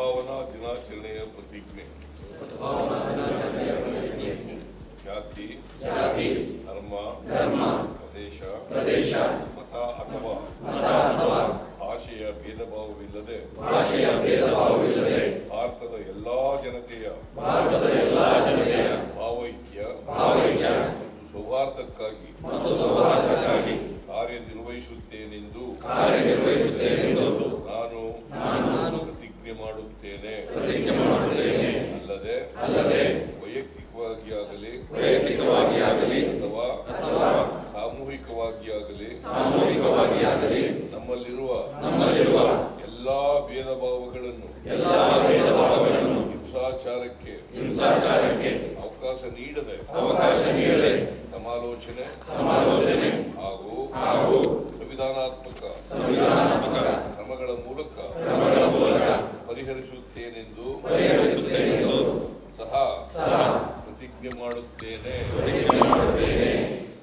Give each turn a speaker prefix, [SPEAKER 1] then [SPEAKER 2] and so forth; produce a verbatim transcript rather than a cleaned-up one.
[SPEAKER 1] ಸದ್ಭಾವನಾ ದಿನಾಚರಣೆಯ ಪ್ರತಿಜ್ಞೆ. ಜಾತಿ, ಧರ್ಮ, ಪ್ರದೇಶ, ಪ್ರದೇಶ ಮತ ಅಥವಾ ಭಾಷೆಯ ಭೇದ ಭಾವವಿಲ್ಲದೆ ಭಾರತದ ಎಲ್ಲಾ ಜನತೆಯ ಭಾವೈಕ್ಯ ಮತ್ತು ಸೌಹಾರ್ದಕ್ಕಾಗಿ ಕಾರ್ಯನಿರ್ವಹಿಸುತ್ತೇನೆಂದು ನಾನು ಪ್ರತಿಜ್ಞೆ ಮಾಡುತ್ತೇನೆ. ಅಲ್ಲದೆ ವೈಯಕ್ತಿಕವಾಗಿ ಆಗಲಿ ಅಥವಾ ಸಾಮೂಹಿಕವಾಗಿ ಆಗಲಿ ನಮ್ಮಲ್ಲಿರುವ ಎಲ್ಲಾ ಭೇದ ಭಾವಗಳನ್ನು ಹಿಂಸಾಚಾರಕ್ಕೆ ಅವಕಾಶ ನೀಡದೆ ಸಮಾಲೋಚನೆ ಹಾಗೂ ಸಂವಿಧಾನಾತ್ಮಕ ಕ್ರಮಗಳ ಮೂಲಕ ಪರಿಹರಿಸುತ್ತೇನೆಂದು ಸಹ ಪ್ರತಿಜ್ಞೆ ಮಾಡುತ್ತೇನೆ.